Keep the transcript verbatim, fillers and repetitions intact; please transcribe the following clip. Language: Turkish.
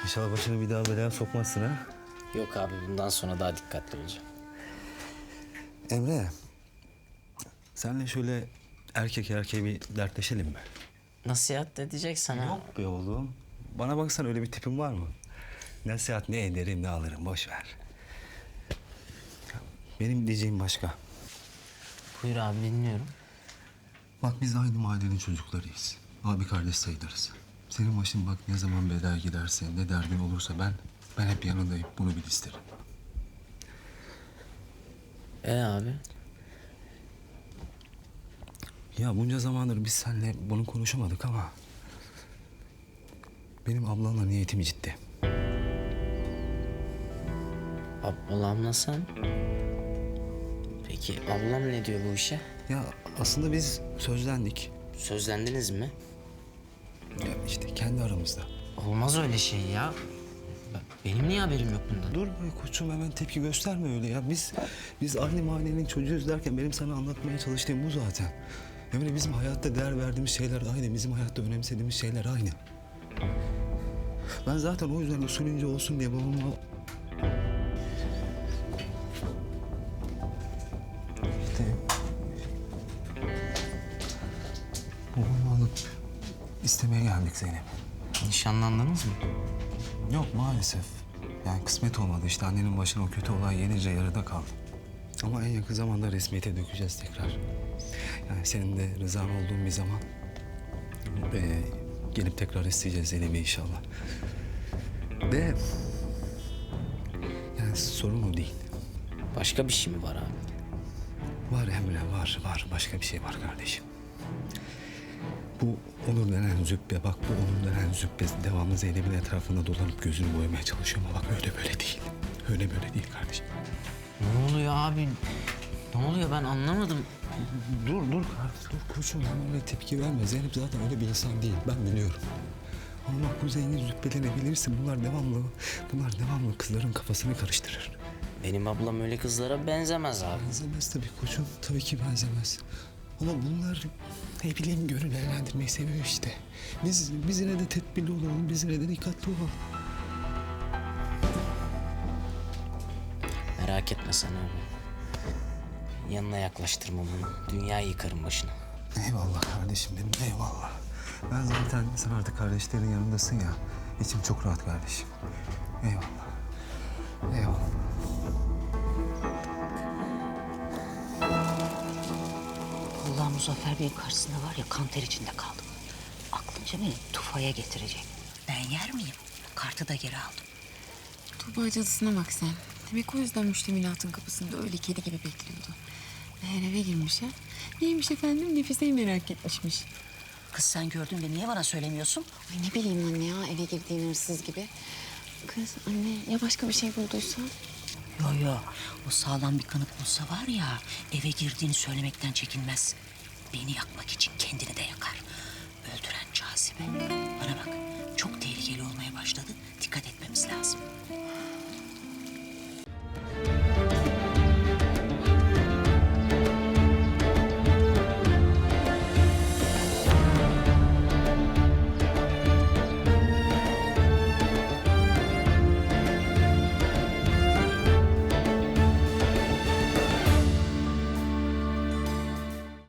İnşallah başını bir daha belaya sokmazsın ha. Yok abi, bundan sonra daha dikkatli olacağım. Emre, senle şöyle erkek erkeğe bir dertleşelim mi? Nasihat edecek sana. Yok be oğlum. Bana baksan öyle bir tipin var mı? Nasihat ne ederim ne alırım, boş ver. Benim diyeceğim başka. Buyur abi, dinliyorum. Bak biz aynı mahallenin çocuklarıyız. Abi kardeş sayılırız. Senin başın bak ne zaman belaya giderse, ne derdin olursa ben ben hep yanındayım. Bunu bil isterim. E abi? Ya bunca zamandır biz seninle bunu konuşamadık ama benim ablamla niyetim ciddi. Ablamla sen? Peki ablam ne diyor bu işe? Ya aslında biz sözlendik. Sözlendiniz mi? Ya işte kendi aramızda. Olmaz öyle şey ya. Benim niye haberim yok bundan? Dur be koçum, hemen tepki gösterme öyle ya. Biz biz aynı mahallenin çocuğuyuz derken benim sana anlatmaya çalıştığım bu zaten. Emre, bizim hayatta değer verdiğimiz şeyler aynı. Bizim hayatta önemsediğimiz şeyler aynı. Ben zaten o yüzden usulünce olsun diye babama... İşte... Babamı alıp istemeye geldik Zeynep. Nişanlandınız mı? Yok maalesef. Yani kısmet olmadı işte. Annenin başına o kötü olay gelince yarıda kaldı. Ama en yakın zamanda resmiyete dökeceğiz tekrar. Yani senin de rızan olduğun bir zaman ee, gelip tekrar isteyeceğiz Zeynep'i inşallah. De yani sorun o değil. Başka bir şey mi var abi? Var Emre, var, var. Başka bir şey var kardeşim. Bu Onur denen züppe, bak bu Onur denen züppe devamlı Zeynep'in etrafında dolanıp gözünü boyamaya çalışıyor ama bak öyle böyle değil. Öyle böyle değil kardeşim. Ne oluyor abi? Ne oluyor, ben anlamadım. Dur, dur kardeşim, dur koçum. Hemen öyle tepki verme. Zeynep zaten öyle bir insan değil. Ben biliyorum. Ama bak bu zengin züppelerini bilirsin. Bunlar devamlı, bunlar devamlı kızların kafasını karıştırır. Benim ablam öyle kızlara benzemez abi. Benzemez tabii koçum. Tabii ki benzemez. Ama bunlar ne bileyim gönül eğlendirmeyi seviyor işte. Biz, biz yine de tedbirli olalım. Biz yine de dikkatli olalım. Merak etme sen abi. Yanına yaklaştırma bunu. Dünyayı yıkarım başına. Eyvallah kardeşim benim, eyvallah. Ben zaten sen artık kardeşlerin yanındasın ya. İçim çok rahat kardeşim. Eyvallah. Eyvallah. Allah Muzaffer Bey'in karşısında var ya, kan ter içinde kaldım. Aklınca beni tufaya getirecek. Ben yer miyim? Kartı da geri aldım. Tuğba cadısına bak sen. Demek o yüzden müştemilatın kapısında öyle kedi gibi bekliyordu. Meğer eve girmiş ha. Neymiş efendim? Nefise'yi merak etmişmiş. Kız sen gördün de niye bana söylemiyorsun? Ay ne bileyim anne ya, eve girdiğin hırsız gibi. Kız anne, ya başka bir şey bulduysa? Yo yo, o sağlam bir kanıt bulsa var ya, eve girdiğini söylemekten çekinmez. Beni yakmak için kendi